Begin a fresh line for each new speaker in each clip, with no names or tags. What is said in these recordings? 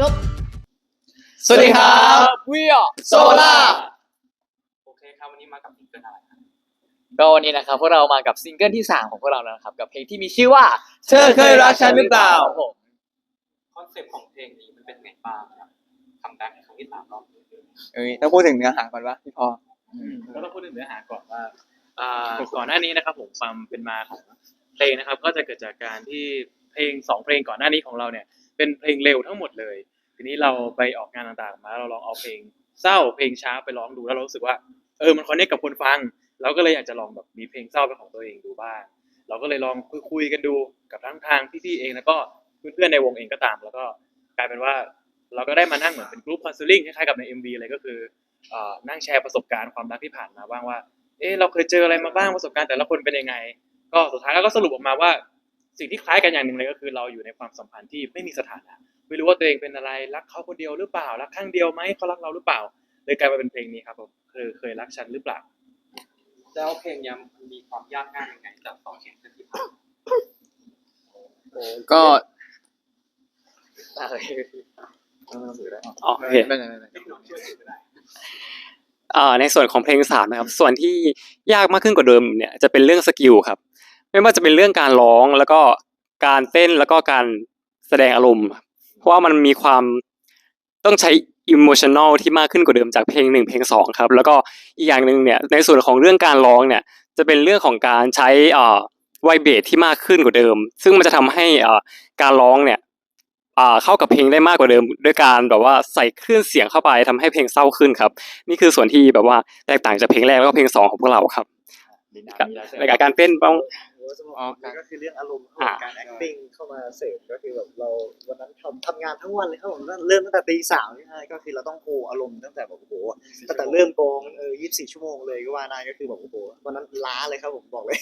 นก
สวัสดีครับ
วิอ
โซล่า
โอเคครับวันนี้มากับซิงเกิลอะไรครับ
ก็วันนี้นะครับพวกเรามากับซิงเกิลที่3ของพวกเราแล้วนะครับกับเพลงที่มีชื่อว่า
เธอเคยรักฉันหรือเปล่า
ผม
คอนเซ็ปต์ของเพลงนี้มันเป็นไงบ้างครับทำได้ครั้งที่3รอบ
ต้องพูดถึงเนื้อหาก่อนว่าพี่พอ
ก็ต้องพูดถึงเนื้อหาก่อนว่าก่อนหน้านี้นะครับผมความเป็นมาของเพลงนะครับก็จะเกิดจากการที่เพลง2เพลงก่อนหน้านี้ของเราเนี่ยเป็นเพลงเร็วทั้งหมดเลยทีนี้เราไปออกงานต่างๆมาเราลองเอาเพลงเศร้าเพลงช้าไปร้องดูแล้วเรารู้สึกว่ามันคอนเนคกับคนฟังเราก็เลยอยากจะลองแบบมีเพลงเศร้าเป็นของตัวเองดูบ้างเราก็เลยลองคุยกันดูกับทั้งทางพี่ๆเองแล้วก็เพื่อนๆในวงเองก็ตามแล้วก็กลายเป็นว่าเราก็ได้มานั่งเหมือนเป็นกรุ๊ปคอนซัลทิงคล้ายๆกับใน MV เลยก็คือนั่งแชร์ประสบการณ์ความรักที่ผ่านมาบ้างว่าเราเคยเจออะไรมาบ้างประสบการณ์แต่ละคนเป็นยังไงก็สุดท้ายแล้วก็สรุปออกมาว่าสิ่งที่คล้ายกันอย่างหนึ่งเลยก็คือเราอยู่ในความสัมพันธ์ที่ไม่มีสถานะไม่รู้ว่าตัวเองเป็นอะไรรักเขาคนเดียวหรือเปล่ารักข้างเดียวไหมเขารักเราหรือเปล่าเลยกลายมาเป็นเพลงนี้ครับผมเคยรักฉันหรือเปล่า
แล้วเพลงนี้มันมีความยากง่ายยังไงจาก2เพลงที่ผ่าน
ก็
โอเคในส่วนของเพลง3นะครับส่วนที่ยากมากขึ้นกว่าเดิมเนี่ยจะเป็นเรื่องสกิลครับไม่ว่าจะเป็นเรื่องการร้องแล้วก็การเต้นแล้วก็การแสดงอารมณ์เพราะว่ามันมีความต้องใช้ emotional ที่มากขึ้นกว่าเดิมจากเพลง1เพลง2ครับแล้วก็อีกอย่างนึงเนี่ยในส่วนของเรื่องการร้องเนี่ยจะเป็นเรื่องของการใช้ไวเบสที่มากขึ้นกว่าเดิมซึ่งมันจะทำให้การร้องเนี่ยเข้ากับเพลงได้มากกว่าเดิมด้วยการแบบว่าใส่คลื่นเสียงเข้าไปทำให้เพลงเศร้าขึ้นครับนี่คือส่วนที่แบบว่าแตกต่างจากเพลงแรกแล้วก็เพลง2ของพวกเราครับในการเต้นต้อง
ก็คือเรื่องอารมณ์การ acting เข้ามาเสริมก็คือแบบเราวันนั้นทำงานทั้งวันเลยครับผมเริ่มตั้งแต่ตีสามก็คือเราต้องโฮอารมณ์ตั้งแต่แบบโอ้โหตั้งแต่เริ่มกอง24 ชั่วโมงเลยก็ว่าได้ก็คือแบบโอ้โหวันนั้นล้าเลยครับผมบอกเลย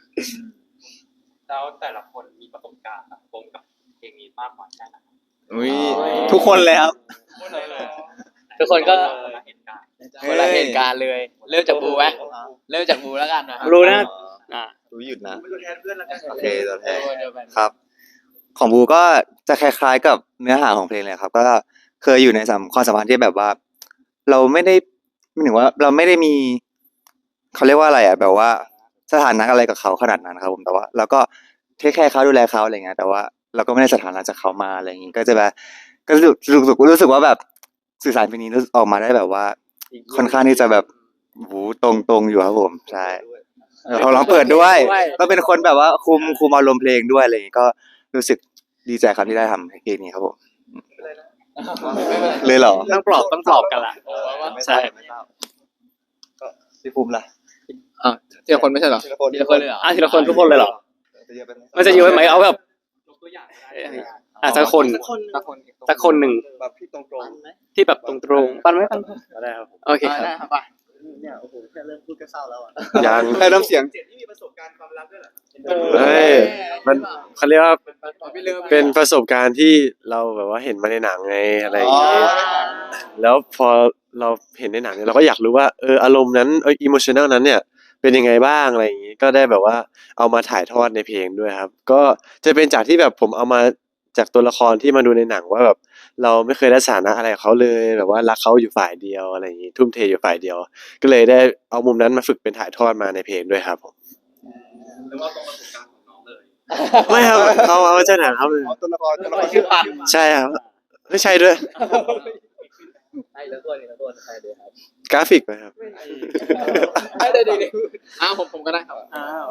แล้วแต่ละคนมีประสบการณ์วงกับเพลงนี้มากกว่าแค่ไหน
ทุกคนเลยครับ
ทุกคนก็
เหตุการณ์
คนละเหตุการณ์เลยเริ่มจากบูไหมเริ่มจากบูแล้วกันนะ
รู้นะ
รู้หยุดนะ
ตัวแทนเพื่อนแล้วกัน
โอเคตัวแทนครับของบูก็จะคล้ายๆกับเนื้อหาของเพลงเลยครับก็เคยอยู่ในความสัมพันธ์ที่แบบว่า เราไม่ได้ไม่ถึงว่าเราไม่ได้มีเขาเรียกว่าอะไรอ่ะแบบว่าสถานะอะไรกับเขาขนาดนั้นครับผมแต่ว่าเราก็เทคแคร์เขาดูแลเขาอะไรเงี้ยแต่ว่าเราก็ไม่ได้สถานะจากเขามาอะไรอย่างงี้ก็จะแบบก็รู้สึกว่าแบบสื่อสารเพลงนี้ออกมาได้แบบว่าค่อนข้างที่จะแบบตรงอยู่ครับผมใช่เขาร้องเปิดด้วยก็เป็นคนแบบว่าคุมอารมณ์เพลงด้วยอะไรอย่างงี้ก็รู้สึกดีใจครับที่ได้ทำเพลงนี้ครับผมเลยเหรอ
ต้องปลอบกันล่ะใช่
ก็พี่ภูมิล่ะ
ทีละคนไม่ใช่เหรอทีละคนเลยเหรอ
ทีละคนทุกคนเลยเหรอมันจะเยอะไหมเอาแบบสักคนหนึ่ง
แบบพี่ตรง
ที่แบบตรงปันไหมปันได้ครับโอเคครับ
เนี่ยโอ้โหแค่เริ่มพูดก็เศร้าแล้วอ่ะ
ยังแค่น้ำเสียง
ที่มีประสบการณ์ความรักด้วยเหรอ
มันเขาเรียกว่าเป็นประสบการณ์ที่เราแบบว่าเห็นมาในหนังไงอะไรอย่างเงี้ยแล้วพอเราเห็นในหนังเนี่ยเราก็อยากรู้ว่าอารมณ์นั้นอิโมชันแนลนั้นเนี่ยเป็นยังไงบ้างอะไรอย่างงี้ก็ได้แบบว่าเอามาถ่ายทอดในเพลงด้วยครับก็จะเป็นจากที่แบบผมเอามาจากตัวละครที่มาดูในหนังว่าแบบเราไม่เคยได้สถานะอะไรกับเขาเลยแบบว่ารักเขาอยู่ฝ่ายเดียวอะไรอย่างงี้ทุ่มเทอยู่ฝ่ายเดียวก็เลยได้เอามุมนั้นมาฝึกเป็นถ่ายทอดมาในเพลงด้วยครับผม
หรือว่าตรงประสบการณ์ของน้องเลย
ไม่ครับเขาเอาใช่ไหมครับ
ตัวละครชื่อปัน
ใช่ครับไม่ใช่ด้วย
ใช่แล้วตัวใช่ด้วยครับ
กราฟิกไหมครับ
ได้ดีผมก็ได้ครับ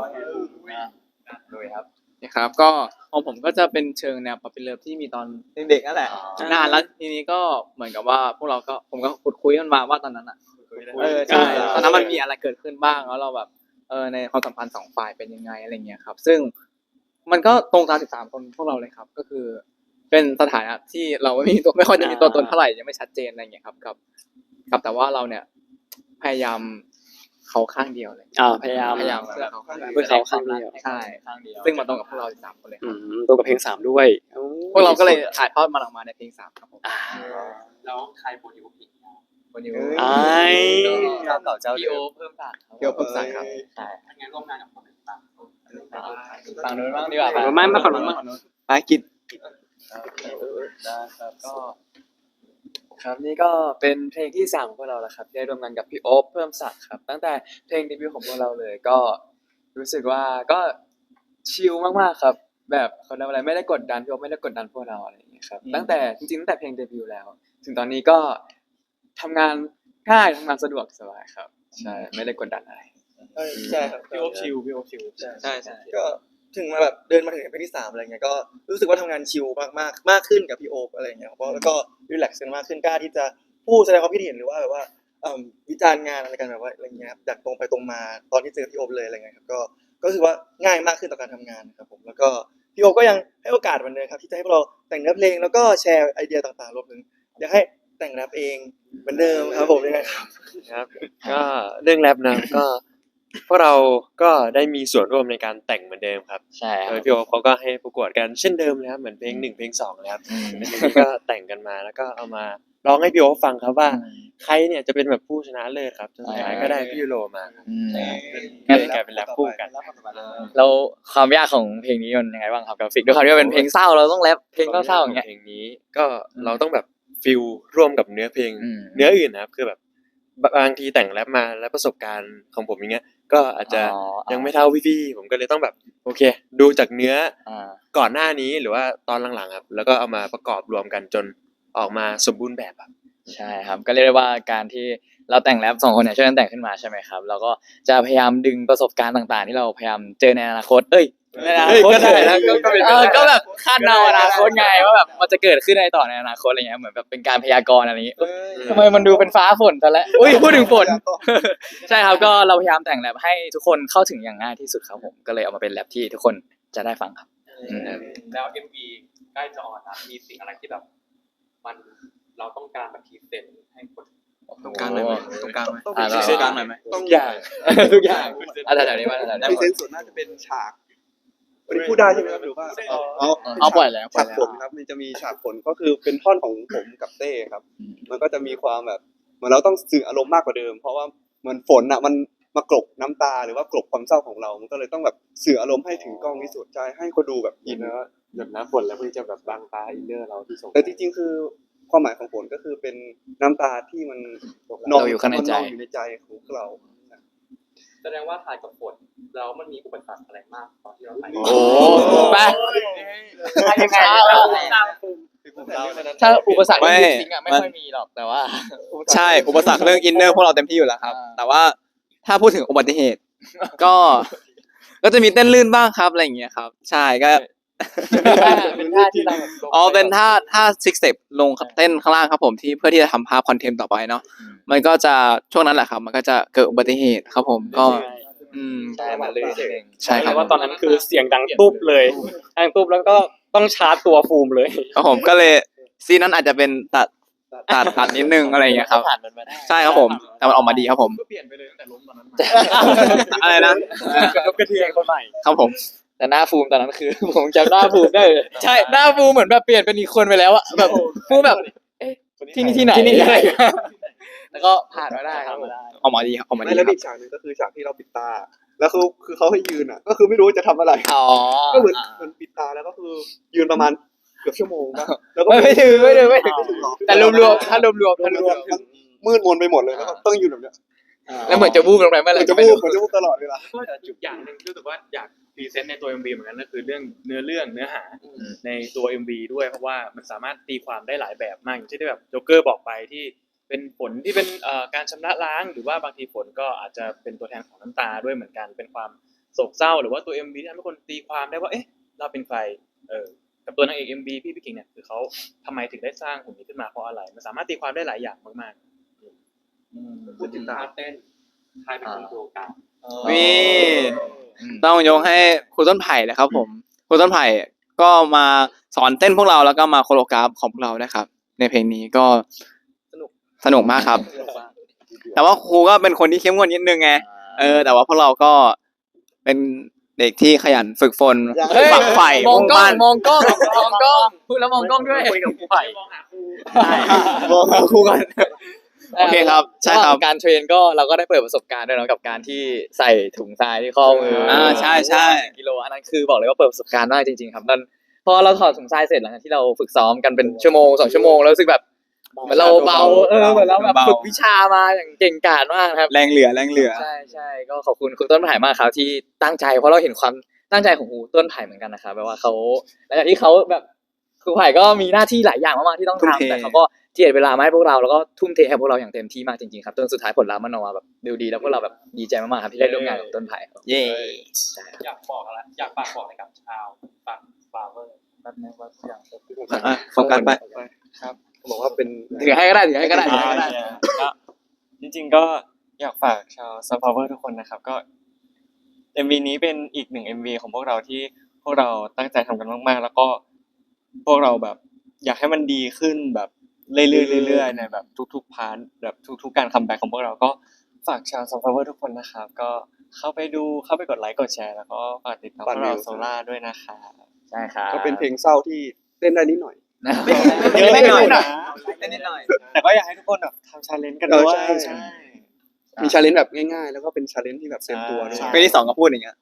ด้วยครับ
นี่ครับก็ของผมก็จะเป็นเชิงแนวป๊อปปี้เลิฟที่มีตอน
เด็กนั่นแหละ
นานแล้วทีนี้ก็เหมือนกับว่าพวกเราก็ผมก็ขุดคุยกันมาว่าตอนนั้นอ่ะใช่ตอนนั้นมันมีอะไรเกิดขึ้นบ้างแล้วเราแบบในความสัมพันธ์2ฝ่ายเป็นยังไงอะไรเงี้ยครับซึ่งมันก็ตรงตาม13คนพวกเราเลยครับก็คือเป็นสถานะที่เราไม่ค่อยจะมีตัวตนเท่าไหร่ยังไม่ชัดเจนอะไรเงี้ยครับกับแต่ว่าเราเนี่ยพยายามเขาข้างเดียวเลย
พยายาม
เพื่อเขาข้างเดียว
เพื่อเขาข้างเดียว
ใช่ซึ่งมันตรงกับพวกเรา13คนเลยครับ
ตรงกับเพลง3ด้วย
พวกเราก็เลยถ่ายทอดมันออกมาในเพลง3ครับผม
แล้วใครโปรดิวเพลง
วันนี้
เก่าเจ้า
พี่โอเพิ่มศักดิ์ครับใช่
งั้นร่วมงานกับคนต่าง
ฝั่งนู้นบ้างดีกว่า
ไม่มาฝั่งนู้นมา
กิจ
ได้ครับก็ครับนี่ก็เป็นเพลงที่3ของพวกเราแล้วครับที่ได้ร่วมงานกับพี่โอ๊คเพิ่มศักดิ์ครับตั้งแต่เพลงเดบิวต์ของพวกเราเลยก็รู้สึกว่าก็ชิลมากๆครับแบบเขาเรียกว่าอะไรไม่ได้กดดันพี่โอ๊คไม่ได้กดดันพวกเราอะไรอย่างเงี้ยครับตั้งแต่จริงๆตั้งแต่เพลงเดบิวต์แล้ว ถึงตอนนี้ก็ทำงานง่ายทำงานสะดวกสบายครับใช่ไม่ได้กดดันอะไร
ใช่ครับ
พี่โอ๊คชิลพี่โอ๊คชิล
ใช่ก็ถึงมาแบบเดินมาถึงเพลงที่3อะไรเงี้ยก็รู้สึกว่าทำงานชิลมากขึ้นกับพี่โอ๊คอะไรเงี้ยเพราะแล้วก็รีแลกซ์กันมากขึ้นกล้าที่จะพูดแสดงความคิดเห็นหรือว่าแบบว่าวิจารณ์งานอะไรกันแบบว่าอะไรเงี้ยจากตรงไปตรงมาตอนที่เจอพี่โอ๊คเลยอะไรเงี้ยครับก็รู้สึกว่าง่ายมากขึ้นต่อการทำงานครับผมแล้วก็พี่โอ๊คก็ยังให้โอกาสเหมือนเดิมครับที่จะให้พวกเราแต่งเนื้อเพลงแล้วก็แชร์ไอเดียต่างๆรวมถึงอยากให้แต่งแรปเองเหมือนเดิมครับผมยังไงครับ
ครับก็เรื่องแรปนะก็พวกเราก็ได้มีส่วนร่วมในการแต่งเหมือนเดิมครับ
ใช่ค
โด
รับ
ยพี่โอ๊คเขาก็ให้ประกวดกันเช่นเดิมเลยครับเหมือนเพลง1เพลง2เลยครับแล้วทีนี้ก็แต่งกันมาแล้วก็เอามาร้องให้พี่โอ๊คฟังครับว่าใครเนี่ยจะเป็นแบบผู้ชนะเลิศครับสุดท้ายก็ได้พี่ยูโรมาครับก็เลยกลายเป็นแรปคู่กัน
แล้วความยากของเพลงนี้มันยังไงบ้างครับกราฟิกด้วยความที่ว่าเป็นเพลงเศร้าเราต้องแรปเพลงเศร้าๆอย่างเงี้ย
เพลงนี้ก็เราต้องแบบฟิลร่วมกับเนื้อเพลง
อืม
เนื้ออื่นนะครับคือแบบบางทีแต่งแรปมาแล้วประสบการณ์ของผมอย่างเงี้ยก็อาจจะยังไม่เท่าพี่ๆผมก็เลยต้องแบบโอเค ดูจากเนื้อ
อ่า
ก่อนหน้านี้หรือว่าตอนหลังๆครับแล้วก็เอามาประกอบรวมกันจนออกมาสมบูรณ์แบบครับ
ใช่ครับก็เรียกได้ว่าการที่เราแต่งแรป2 คนเนี่ยช่วยกันแต่งขึ้นมาใช่ไหมครับเราก็จะพยายามดึงประสบการณ์ต่างๆ ที่เราพยายามเจอในอนาคตในอนาคต
ก็ได้นะก็เป็นไปได้
ก็แบบคาดเดาอนาคตไงว่าแบบมันจะเกิดขึ้นในต่อในอนาคตอะไรเงี้ยเหมือนแบบเป็นการพยากรณ์อะไรอย่างงี้ทำไมมันดูเป็นฟ้าฝนซะแล้วอุ้ยพูดถึงฝน ใช่ครับก็เราพยายามแต่งแรปให้ทุกคนเข้าถึงอย่างง่ายที่สุดครับผมก็เลยเอามาเป็นแรปที่ทุกคนจะได้ฟังครับ
แล้ว MV ใกล้จะออนนะมีสิ่งอะไรที่แบบมันเราต้องการแบบพรีเซนต์ให้คน
ตรงกลางหน่อยไหมตรงกลางไหม
อ่า
ตรงกลางหน่อยไหม
ต้องอย่าง
ทุกอย่างอ่ะแต่เดี๋ยวนี้มาแต่
ในเซนส่วนน่าจะเป็นฉากวันนี้พูดได้ใช่ไหมครับหรือว่า
เอาปล่อยแล้ว
ฉากฝนครับมันจะมีฉากฝนก็คือเป็นท่อนของผมกับเต้ครับ มันก็จะมีความแบบเหมือนเราต้องสื่ออารมณ์มากกว่าเดิม เพราะว่าเหมือนฝนอ่ะมันมากลบน้ำตาหรือว่ากลบความเศร้าของเรา มันก็เลยต้องแบบสื่ออารมณ์ให้ถึงกล้องที่สุดใจให้คนดูแบบอิน
หยดน้ำฝนแล้วมันจะแบบบังตาอินเนอร์เราที่ส่ง
แต่จริงๆคือความหมายของฝนก็คือเป็นน้ำตาที่มันนองอยู่ในใจของพวกเรา
แสดงว่าถ่ายกับฝนแล้วมันมีอุปสรรคอะไรมากตอนที่เราถ่าย
โอ้ไปยังไงถ้าอุปสรรคจริงๆอ่ะไม่ค่อยมีหรอกแต่ว่า
ใช่อุปสรรคเรื่องอินเนอร์พวกเราเต็มที่อยู่แล้วครับ แต่ว่าถ้าพูดถึงอุบัติเหตุ ก็จะมีเต้นลื่นบ้างครับอะไรอย่างเงี้ยครับ ใช่ก็
เป็นท่าที่เราแบบ
อ๋อเป็นท่าซิกเซปลงเต้นข้างล่างครับผมที่เพื่อที่จะทำภาพคอนเทนต์ต่อไปเนาะมันก็จะช่วงนั้นแหละครับ มันก็จะเกิดอุบัติเหตุครับผมก็
ใช่มาเลยเอง
ใช่ครับ
ว่าตอนนั้นคือเสียงดังตุ๊บเลยดังตุ๊บแล้วก็ต้องชาร์จตัวฟูมเลย
ครับผมก็เลยซีนนั้นอาจจะเป็นตัดนิดนึงอะไรอย่างเงี้ยครับ
ผ่านมันมาได้
ใช่ครับผมแต่มันออกมาดีครับผม
ก็เปลี่ยนไปเลยตั้งแต่ล้มตอนนั้นมา
อะไรนะ
กระเทียมคนใหม่
ครับผม
แต่หน้าฟูมตอนนั้นคือ ผมจำหน้าฟูมได้เลย
ใช่หน้าฟูเหมือนแบบเปลี่ยนเป็นอีกคนไปแล้วอะแบบฟูแบบเอ๊ะที่นี่ที่ไหนแล้วก็ผ่านมาได้ครับผมออกมาดีครับออกมาดี
ไม่
ค
แล้ว
รับ
อีกฉากหนึงก็คือฉากที่เราปิดตา แล้วคือเขาให้ยืนอ่ะ ก็คือไม่รู้จะทำอะไร
อ๋อ
ก็เหมือนปิดตาแล้วก็คือยืนประมาณเกือบชั่วโมงนะแล้วก็
ไม่ถึง
หรอก
แต่รวมๆถ้ารวม
มันมืดมนไปหมดเลยแล้วก็ต้องยืนแบบเนี้ย
แล้วเหมือนจะวูบลงไปเมื่อไหร่
มันจะ
ก็ไม่
พูด
รู้
มันจะพูดตลอดเวลา
ก็อีกอย่างหนึ่งรู้สึกว่าอยากพรีเซนต์ในตัว MV เหมือนกันก็คือเรื่องเนื้อหาในตัว MV ด้วยเพราะว่ามันสามารถตีความได้หลายแบบมากอย่างเช่นที่แบบโจ๊กเกอร์บอกไปที่เป็นฝนที่เป็นการชำระล้างหรือว่าบางทีฝนก็อาจจะเป็นตัวแทนของน้ำตาด้วยเหมือนกันเป็นความโศกเศร้าหรือว่าตัว MV ที่ทำให้คนตีความได้ว่าเอ๊ะเราเป็นใครกับตัวนางเอก MV พี่กิ่งเนี่ยคือเขาทำไมถึงได้สร้างหุ่นนี้ขึ้นมาเพราะอะไรมันสามารถตีความได้หลายอย่างมากๆ
พูดถึงท่าเต้นใครเป็นคนโปรแกรม
นี่ต้องยกให้ครูต้นไผ่เลยครับผมครูต้นไผ่ก็มาสอนเต้นพวกเราแล้วก็มาโคโรกราฟของพวกเรานะครับ ในเพลงนี้ก็สนุกมากครับ แต่ว่าครูก็เป็นคนที่เข้มงวดนิดนึงไงแต่ว่าพวกเราก็เป็นเด็กที่ขยันฝึกฝนฝักใฝ่
มอง
มุ่ง
กล้อง
มั่น
มองกล้องมองกล้องพูดแล้วมองกล้องด้วยคุยกับครูไผ่
บอกครูก่อนโอเคครับใช่ครับ
การเทรนก็เราก็ได้เปิดประสบการณ์ด้วยเนาะกับการที่ใส่ถุงทรายที่ข้อมือ
ใช่
กิโลอันนั้นคือบอกเลยว่าเปิดประสบการณ์มากจริงๆครับนั่น
พอเราถอดถุงทรายเสร็จหลังจากที่เราฝึกซ้อมกันเป็นชั่วโมง2 ชั่วโมงแล้วรู้สึกแบบเหมือนเราเบาเหมือนเราแบบฝึกวิชามาอย่างเก่งกาจมากครับ
แรงเหลือ
ใช่ก็ขอบคุณคุณต้นไผ่มากครับที่ตั้งใจเพราะเราเห็นความตั้งใจของครูต้นไผ่เหมือนกันนะครับแบบว่าเขาหลังจากที่เขาแบบครูไผ่ก็มีหน้าที่หลายอย่างมากๆที่ต้อง
ทุ่มเท
ทำแต่เขาก็เจียดเวลามาให้พวกเราแล้วก็ทุ่มเทให้พวกเราอย่างเต็มที่มากจริงๆครับจนสุดท้ายผลลัพธ์มันออกมาแบบดูดีแล้วพวกเราแบบดีใจมากๆครับที่ได้ร่วมงานกับต้นไผ่ครับ
เย่
อยากบอกอะไรอยากฝากบอกอะไรกับชาวฝั่งฟาเวอร์
แบบนึงว่าอย่าง
โฟกัสไป
ครับบอกว่าเป็น
ถือให้ก็ได้
ก็จริงๆก็อยากฝากชาวซัพพอร์เตอร์ทุกคนนะครับก็ MV นี้เป็นอีกหนึ่ง MV ของพวกเราที่พวกเราตั้งใจทำกันมากๆแล้วก็พวกเราแบบอยากให้มันดีขึ้นแบบเรื่อยๆในแบบทุกๆพาร์ทแบบทุกๆการคัมแบ็กของพวกเราก็ฝากชาวซัพพอร์เตอร์ทุกคนนะครับก็เข้าไปกดไลค์กดแชร์แล้วก็ฝากติดตามพวกเราโซล่าด้วยนะครับ
ใช่ครับ
ก็เป็นเพลงเศร้าที่เต้นได้นิดหน่อย
เยอะนิดหน่อย
แต่ก็อยากให้ทุกคนแบบทำชาเลนจ์กันด้วย
ใช่ มีชาเลนจ์แบบง่ายๆ แล้วก็เป็นชาเลนจ์ที่แบบเต็มตัวด้วย
ใช่
เพลงที่ 2ก็พูดอย่างเงี้ย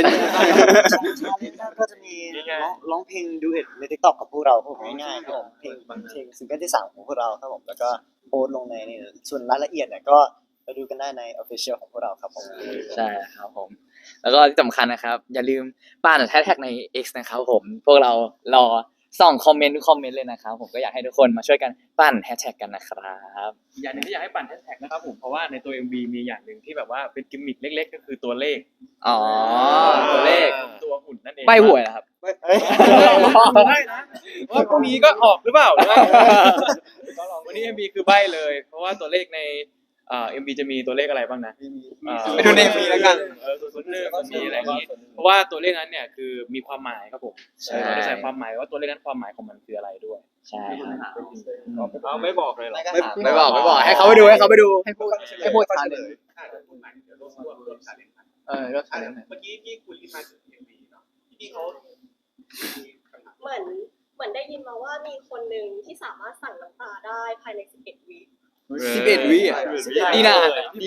ก็จะมีร้องเพลงดูเอ็ดใน TikTok กับพวกเราครับผมง่ายๆครับผมเพลงซิงเกิลที่3ของพวกเราครับผมแล้วก็โพสต์ลงในนี่ส่วนรายละเอียดเนี่ยก็ไปดูกันได้ใน Official ของพวกเราครับผม
ใช่ครับผมแล้วก็ที่สำคัญนะครับอย่าลืมป้านแท็กใน X นะครับผมพวกเรารอส่องคอมเมนต์ทุกคอมเมนต์เลยนะครับผมก็อยากให้ทุกคนมาช่วยกันปั้นแฮชแท็กกันนะครับ
อย่างหนึงที่อยากให้ปั่นแฮชแท็กนะครับผมเพราะว่าในตัว MV มีอย่างหนึ่งที่แบบว่าเป็นกิมมิคเล็กๆ ก็คือตัวเลข
อ๋อตัวเลข
ตัวหุ่นนั่นเอง
ใบหวยนะครับ
ได้นะว่าพรุ่งนี้ก็ออกหรือเปล่าวันนี้ MV คือใบเลย เพราะว่าตัวเลขในMV จะมีตัวเลขอะไรบ้างนะ
ไปดูใน MV แล้วกัน
มีอะไรอย่างนี้เพราะว่าตัวเลขนั้นเนี่ยคือมีความหมายครับผม
ใช่
เราจะใส่ความหมายว่าตัวเลขนั้นความหมายของมันคืออะไรด้วย
ใช่ครับ
เอาไม่บอกเลยเหรอ
ไม่บอกให้เขาไปดูให้พูดทันเลยก็ทันเลย
เมื่อกี้ที่คุณที่มาถึง MV เนาะที่เขา
เหมือนได้ยินมาว่ามีคนหนึ่งที่สามารถสั่งน้ำตาได้ภายใน11 วิ
11 วิอ่ะ
นี่นาน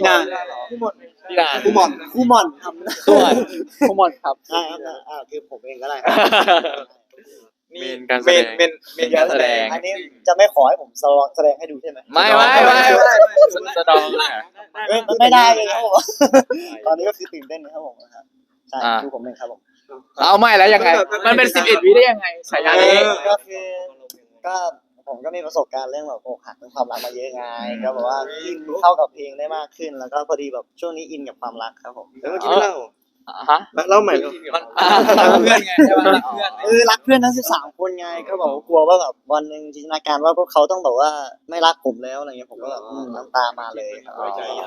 คู่หม่อนทำ
คู่หมดครับ
ใช่ครับคือผมเองก็ได้
เมนการแสดง
เมนการแสดง
อันนี้จะไม่ขอให้ผมแสดงให้ดูใช่ไหม
ไม่สตอง
ไม่ได้เลยครับผมตอนนี้ก็คือตื่นเต้นนะครับผมใช่ดูผมเองครับผม
เอาไม่แล้วยังไงมันเป็น11 วิได้ยังไงฉายานี้
ก็คือก็ผมก็มีประสบการณ์เรื่องแบบอกหักเรื่องความรักมาเยอะไงก็แบบว่าอินเข้ากับเพลงได้มากขึ้น แล้วก็พอดีแบบช่วงนี้อินกับความรักครับผม
แล้วเมื่อกี้ไม่เล่า
ฮะ
เล่าใหม่
เพื่อนไงใช่ป่ะเพื่อน
รักเพื่อนทั้ง13คนไงก็บอกว่ากลัวว่าแบบวันหนึ่งจินตนาการว่าพวกเขาต้องแบบว่าไม่รักผมแล้วอะไรเงี้ยผมก็แบบน้ำตามาเลยครับ
อัน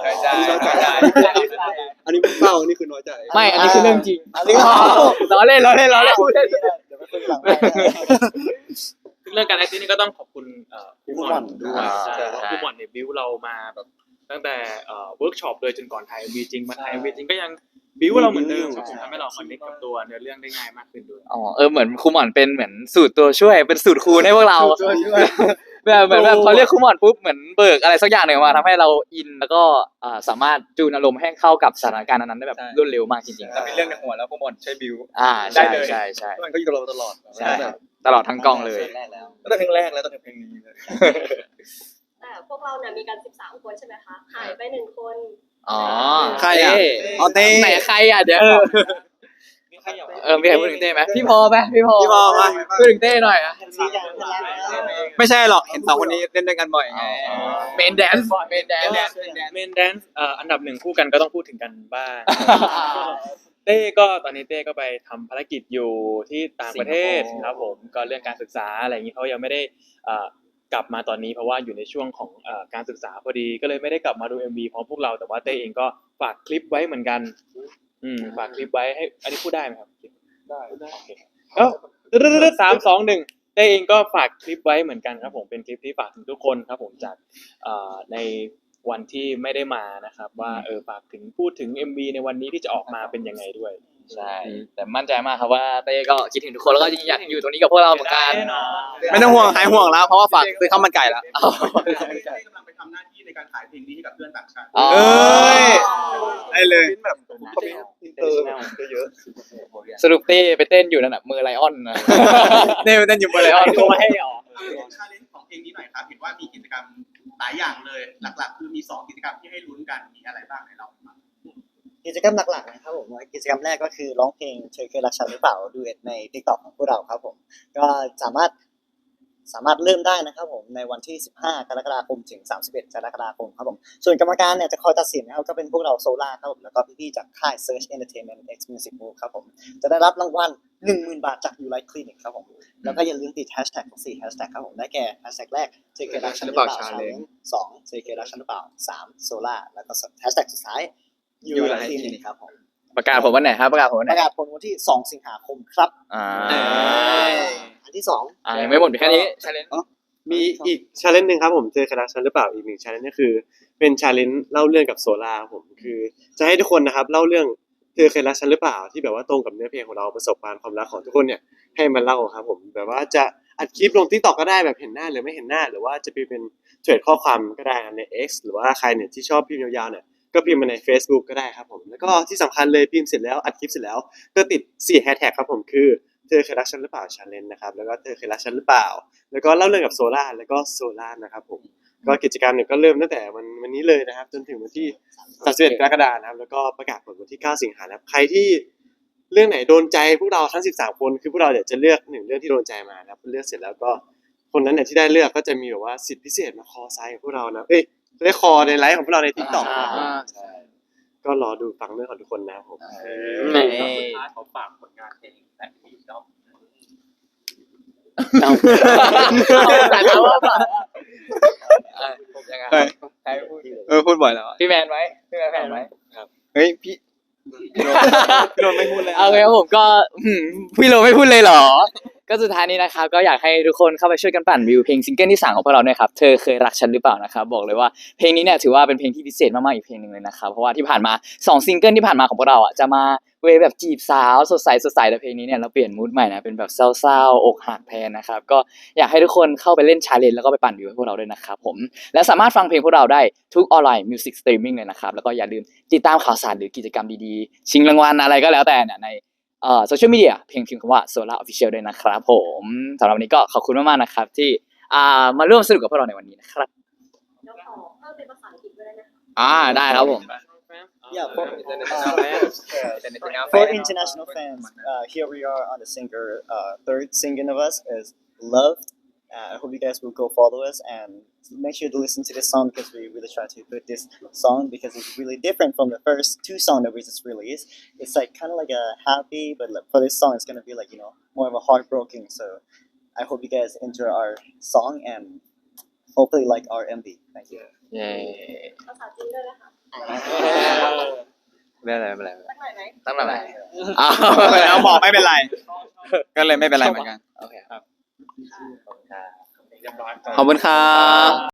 นี้เศร้าอันนี้คือน้อยใจ
ไม่อันนี้คือเรื่องจริง
อันนี้ก็
ล้อเล่น
เดี๋ยวไปคุยหลังไมค์
ซึ่งเรื่องการ acting นี่ก็ต้องขอบคุณครูหม่อนด้วย
ใช่
ใช่เพราะครูหม่อนเนี่ยบิวเรามาแบบตั้งแต่เวิร์กช็อปเลยจนก่อนถ่าย MV จริงมาถ่าย MV จริงก็ยังบิวเราเหมือนเดิมครับผมทำให้เราคอนเนคกับตัวเนื้อเรื่องได้ง่ายมากขึ้นด้วย
อ๋อเหมือนครูหมอนเป็นเหมือนสูตรตัวช่วยเป็นสูตรคูณให้พวกเราแบบเหมือนแบบพอเรียกครูหมอนปุ๊บเหมือนเบิกอะไรสักอย่างหนึ่งมาทำให้เราอินแล้วก็สามารถจูนอารมณ์ให้เข้ากับสถานการณ์นั้นได้แบบรวดเร็วมากจริงๆ
แต่มีเรื่องในหัวแล้วพวกบอลใช้บิว
ใช่ใช่
มันก็อยู่กับเราตลอด
ใช่ตลอดทั้งกองเลย
ตั้งแต่เพลงแรกแล้วตั้งแต่เพลงนี้เลย
แต่พวกเราเนี่ยมีกัน13 คนใช่ไหมคะหายไป1 คน
อ๋อ
ใครอ่ะอ๋อเต้
ไหนใครอ่ะเดี๋ยวมีใครพูดถึงเต้ไหมพี่พอไหมพี่พอมาพูดถึงเต้หน่อยอ่ะ
ไม่ใช่หรอกเห็น2คนนี้เล่นด้วยกันบ่อยไง
เมนแดนซ์
เมนแดนซ์อันดับ1คู่กันก็ต้องพูดถึงกันบ้างเต้ก็ตอนนี้เต้ก็ไปทำภารกิจอยู่ที่ต่างประเทศครับผมก็เรื่องการศึกษาอะไรอย่างนี้เขายังไม่ได้กลับมาตอนนี้เพราะว่าอยู่ในช่วงของการศึกษาพอดีก็เลยไม่ได้กลับมาดู MV พร้อมพวกเราแต่ว่าเต้เองก็ฝากคลิปไว้เหมือนกันฝากคลิปไว้ให้อันนี้พูดได้ไหมครับได้โอเค3-2-1เต้เองก็ฝากคลิปไว้เหมือนกันครับผมเป็นคลิปที่ฝากถึงทุกคนครับผมจากในวันที่ไม่ได้มานะครับว่าฝากถึงพูดถึง MV ในวันนี้ที่จะออกมาเป็นยังไงด้วย
ใช่แต่มั่นใจมากครับว่าเต้ก็คิดถึงทุกคนแล้วก็อยากอยู่ตรงนี้กับพวกเราเหมือนกัน
ไม่ต้องห่วงหายห่วงแล้วเพราะว่าฝากซื้อข้าวมันไก่แล้ว
กำลังไปทำหน้าที่ในการขายเพลงนี้ให้กับเพื่อนต่างชาติ
เอ้ยได้เลยแบบ
international
เยอะ
สรุปเต้ไปเต้นอยู่นั่นน่ะมือไลออนนะ เต้ไปเต้นอยู่มือไลออน
ตัวให้ออก
ชาเลนจ์ของเพลงนี้หน่อยครับเห็นว่ามีกิจกรรมหลายอย่างเลยหลักๆ คือมี2กิจกรรมที่ให้ลุ้นกันมีอะไรบ้างให้เราฟัง
กิจกรรมหลักๆนะครับผมกิจกรรมแรกก็คือร้องเพลงเธอเคยรักฉันหรือเปล่าดูเอ็ดใน TikTok ของพวกเราครับผมก็สามารถเริ่มได้นะครับผมในวันที่15กรกฎาคมถึง31กรกฎาคมครับผมส่วนกรรมการเนี่ยจะคอยตัดสินนะครับก็เป็นพวกเราโซล่าครับผมแล้วก็พี่ๆจากค่าย Search Entertainment X Music Move ครับผมจะได้รับรางวัล 10,000 บาทจาก You Like Clinic ครับผมแล้วก็อย่าลืมติดแฮชแท็กทั้ง4แฮชแท็กครับผมได้แก่แฮชแท็กแรกเธอเคยรักฉันหรือเปล่า Challenge 2เธอเคยรักฉันหรือเปล่า3โซล่าแล้วก็แฮชแท็กสุดท้าย You Like Clinic ครับผม
ประกาศผมวันไหนครับประกาศผมวันไห
ป
น
ระกาศผลวันที่2สิงหาคมครับ อันที่2
ยังไม่หมดแค่นี้ชาเลนจ์
มีอีกชาเลนจ์หนึ่งครับผมเจอคณะฉันหรือเปล่าอีกหนึ่งชาเลนจ์ก็คือเป็นชาเลนจ์เล่าเรื่องกับโซล่าครับผมคือจะให้ทุกคนนะครับเล่าเรื่องเธอเคยรักฉันหรือเปล่าที่แบบว่าตรงกับเนื้อเพลงของเราประสบการณ์ความรักของทุกคนเนี่ยให้มันเล่าครับผมแบบว่าจะอัดคลิปลง TikTok ก็ได้แบบเห็นหน้าหรือไม่เห็นหน้าหรือว่าจะเป็นเทรดข้อความก็ได้ใน X หรือว่าใครเนี่ยที่ชอบพิมพ์ยาวๆเนี่ยก็พิมพ์มาใน Facebook ก็ได้ครับผมแล้วก็ที่สำคัญเลยพิมพ์เสร็จแล้วอัดคลิปเสร็จแล้วก็ติด4แฮชแท็กครับผมคือเธอเคยรักฉันหรือเปล่า challenge นะครับแล้วก็เธอเคยรักฉันหรือเปล่าแล้วก็เล่าเรื่องกับโซล่าแล้วก็โซล่านะครับผมก็กิจกรรมเนี่ยก็เริ่มตั้งแต่วันนี้เลยนะครับจนถึงวันที่31กรกฎาคมนะครับแล้วก็ประกาศผลวันที่9สิงหาคมนะครับใครที่เรื่องไหนโดนใจพวกเราทั้ง13คนคือพวกเราเนี่ยจะเลือก1เรื่องที่โดนใจมานะครับเลือกเสร็จแล้วก็คนนั้นเนี่ยที่ได้เลือกก็จะมีแบบว่าสิทธิพิเศษมาคอไซน์กับพวกเรานะได้คอในไลฟ์ของพวกเราใน TikTok นะครับใช่ก็รอดูฟังเรื่องของทุกคนนะครับผม
สุดท้ายขอฝากผลงานเพลงแต่ที่ชอบ
แต่ถามว่ายังไงใครพูด
พูดบ่อยแล้ว
พี่แมนไว้พี่แมนไว้
เฮ้ยพี่โดนไม่พูดเลย
โอเคครับผมก็พี่โรไม่พูดเลยเหรอ ก็สุดท้ายนี้นะครับก็อยากให้ทุกคนเข้าไปช่วยกันปั่นวิวเพลงซิงเกิลที่3ของพวกเราเนี่ยครับเธอเคยรักฉันหรือเปล่านะครับบอกเลยว่าเพลงนี้เนี่ยถือว่าเป็นเพลงที่พิเศษมากๆอีกเพลงนึงเลยนะครับเพราะว่าที่ผ่านมา2ซิงเกิลที่ผ่านมาของพวกเราอ่ะจะมาเวแบบจีบสาวสดใสแต่เพลงนี้เนี่ยเราเปลี่ยนมูดใหม่นะเป็นแบบเศร้าๆอกหักแทนนะครับก็อยากให้ทุกคนเข้าไปเล่นชาเลนจ์แล้วก็ไปปั่นวิวให้พวกเราด้วยนะครับผมและสามารถฟังเพลงพวกเราได้ทุกออนไลน์มิวสิกสตรีมมิ่งเลยนะครับแล้วก็อย่าลืมติดตามข่าวสารหรือกิจกรรมดีๆชิงรางวัลอะไรก็แล้วแต่เนี่ยในโซเชียลมีเดียเพียงพิมพ์คำว่า Solar Official ด้วยนะครับผมสำหรับวันนี้ก็ขอบคุณมากๆนะครับที่มาร่วมสนุกกับพวกเราในวันนี้นะครับ
แล้วขอเพิ่มเป็นภาษาอังกฤษด้วยนะคะ
ได้ครับผม
Yeah, for international fans, here we are on the third single of us is Loved. I hope you guys will go follow us and make sure to listen to this song because we really try to put this song because it's really different from the first 2 songs that we just released. It's like kind of like a happy, but like for this song, it's gonna be like more of a heartbroken. So I hope you guys enjoy our song and hopefully like our MV. Thank you.
ภาษาจีนด้วยนะคะ
ไม่เป็นไร
สักหน่อยไหม
ตั้งแต่ไหน
เอาบอกไม่เป็นไรก็เลยไม่เป็นไรเหมือนกันโอเคครับ
ขอบคุณครับ